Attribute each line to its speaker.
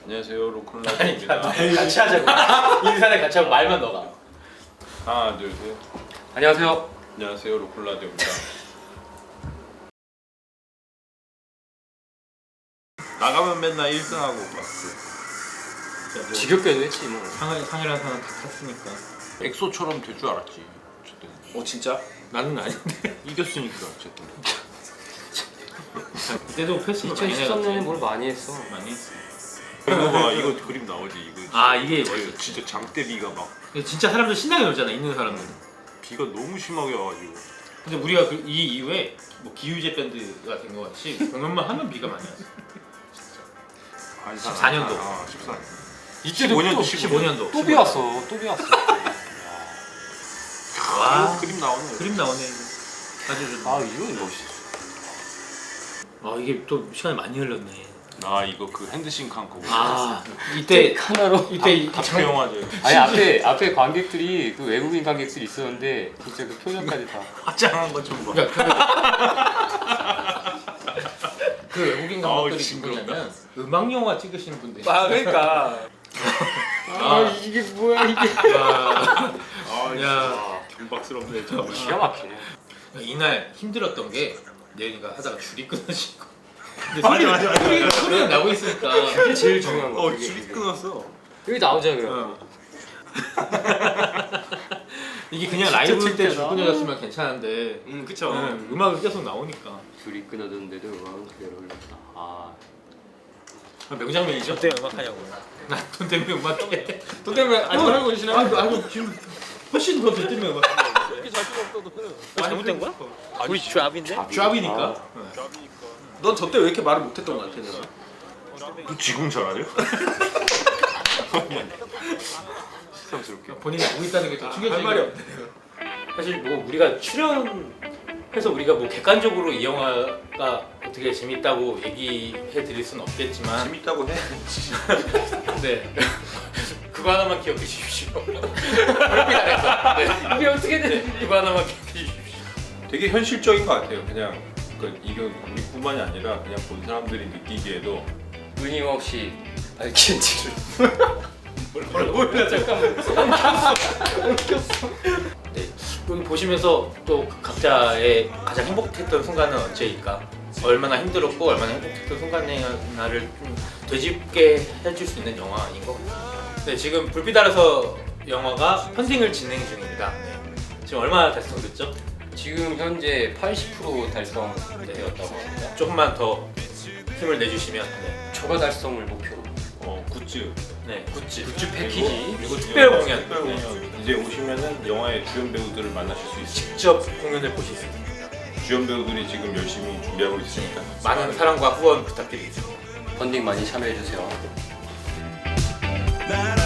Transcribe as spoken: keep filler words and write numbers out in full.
Speaker 1: 안녕하세요, 로큰라디오입니다.
Speaker 2: 같이 하자고. 인사를 같이 하고 말만 넣어가.
Speaker 1: 하나, 둘, 셋.
Speaker 3: 안녕하세요.
Speaker 1: 안녕하세요, 로큰라디오입니다. 나가면 맨날 일 등하고 막 그.
Speaker 3: 지겹게도 했지 뭐.
Speaker 2: 상을 상이라는 사람 다 탔으니까.
Speaker 1: 엑소처럼 될 줄 알았지. 어쨌든
Speaker 2: 어 진짜? 나는 아닌데.
Speaker 1: 이겼으니까 어쨌든.
Speaker 2: 그때도 패스를 많이
Speaker 3: 이천십삼 년에
Speaker 2: 해갔지.
Speaker 3: 뭘 많이 했어.
Speaker 2: 많이 했어.
Speaker 1: 이거 봐, 이거 그림 나오지 이거.
Speaker 2: 아, 이게
Speaker 1: 진짜,
Speaker 2: 멋있어.
Speaker 1: 진짜 장대비가 막
Speaker 2: 진짜 사람들 신나게 놀잖아. 있는 사람들.
Speaker 1: 비가 너무 심하게 와가지고.
Speaker 2: 근데 우리가 그, 이 이후에 뭐 기후제 밴드가 된 것 같이 공연만 하면 비가 많이 왔어. 십사 년도.
Speaker 1: 아, 십사 년.
Speaker 3: 이때도
Speaker 1: 십오 년도,
Speaker 3: 또
Speaker 2: 십오 년도.
Speaker 3: 또 비왔어. 또 비왔어.
Speaker 2: 와,
Speaker 1: 이거 그림 나오네.
Speaker 2: 그림 나오네. 이거. 아주 좋네.
Speaker 3: 아 이거 멋있어.
Speaker 2: 아 이게 또 시간이 많이 흘렀네.
Speaker 1: 아 이거 그 핸드싱크 한 거.
Speaker 2: 아 이때
Speaker 3: 하나로.
Speaker 2: 이때 이
Speaker 1: 다표 영화제.
Speaker 3: 아니 앞에 앞에 관객들이 그 외국인 관객들이 있었는데 진짜 그 표정까지 다.
Speaker 1: 화장한 거 좀 봐.
Speaker 2: 그 외국인
Speaker 1: 아우,
Speaker 2: 감독들이
Speaker 1: 징그럽다.
Speaker 2: 누구냐면 음악 영화 찍으시는 분들.
Speaker 3: 아 그러니까. 아 이게 뭐야 이게.
Speaker 2: 와,
Speaker 1: 아,
Speaker 2: 야.
Speaker 1: 야, 경박스럽네 정말.
Speaker 3: 기가 막히네.
Speaker 2: 이날 힘들었던 게 내연이가 하다가 줄이 끊어지고.
Speaker 1: 맞아, 맞아, 맞아,
Speaker 2: 소리,
Speaker 1: 맞아.
Speaker 2: 소리가 나고 있으니까.
Speaker 3: 그게 제일 중요한 거.
Speaker 1: 어, 줄이 끊었어.
Speaker 3: 여기 나오잖아 그럼.
Speaker 2: 어. 이게 그냥 라이브 때 줄
Speaker 3: 창피하다.
Speaker 2: 끊어졌으면 괜찮은데.
Speaker 1: 음, 그쵸.
Speaker 2: 응, 음악이 계속 나오니까.
Speaker 3: 줄이 끊어졌는데도 음악은 그대로 흘렀다. 아.
Speaker 2: 명장면이죠? 돈 때문에 음악하냐고. 나돈 때문에 음악해. 돈 때문에 아직 하고 계시나요? 아, 아, 지금 훨씬 더 돈 때문에 음악하냐고.
Speaker 4: 이렇게 잘 필요 없어도
Speaker 2: 잘못된 거야?
Speaker 4: 우리 잡인데?
Speaker 2: 쥐압이니까.
Speaker 4: 넌 저 때 왜 이렇게 말을 못했던 것 같아 내가?
Speaker 1: 너 지금 잘하냐? 새삼스럽게.
Speaker 2: 본인이 알고 있다는 게 더 충격적이야.
Speaker 4: 할 말이 없네.
Speaker 2: 사실 뭐 우리가 출연해서 우리가 뭐 객관적으로 이 영화가 어떻게 재밌다고 얘기해 드릴 수는 없겠지만
Speaker 1: 재밌다고 해.
Speaker 2: 네. 그거 하나만 기억해 주십시오. 그렇게 잘했어. 네.
Speaker 3: 이게 어떻게 돼?
Speaker 2: 네. 그거 하나만 기억해 주십시오.
Speaker 1: 되게 현실적인 것 같아요. 그냥 그 이거 우리뿐만이 아니라 그냥 본 사람들이 느끼기에도
Speaker 3: 끊임없이 알킨지를.
Speaker 2: 몰라 잠깐만. 네. 여기 보시면서 또 각자의 가장 행복했던 순간은 언제일까? 얼마나 힘들었고 얼마나 행복했던 순간이나를 좀 되짚게 해줄 수 있는 영화인 것 같아요. 네, 지금 불빛 아래서 영화가 펀딩을 진행 중입니다. 네. 지금 얼마나 달성됐죠?
Speaker 3: 지금 현재 팔십 퍼센트 달성되었다고 합니다.
Speaker 2: 조금만 더 힘을 내주시면 네,
Speaker 3: 초과 달성을 목표로.
Speaker 1: 어 굿즈.
Speaker 2: 네 굿즈,
Speaker 3: 굿즈 패키지.
Speaker 2: 그리고 특별 공연,
Speaker 1: 특별 공연. 이제 오시면은 영화의 주연 배우들을 만나실 수 있어요.
Speaker 2: 직접 공연을 보실 수 있습니다.
Speaker 1: 주연 배우들이 지금 열심히 준비하고 있으니까
Speaker 2: 많은 사랑과 후원 부탁드리겠습니다.
Speaker 3: 펀딩 많이 참여해 주세요.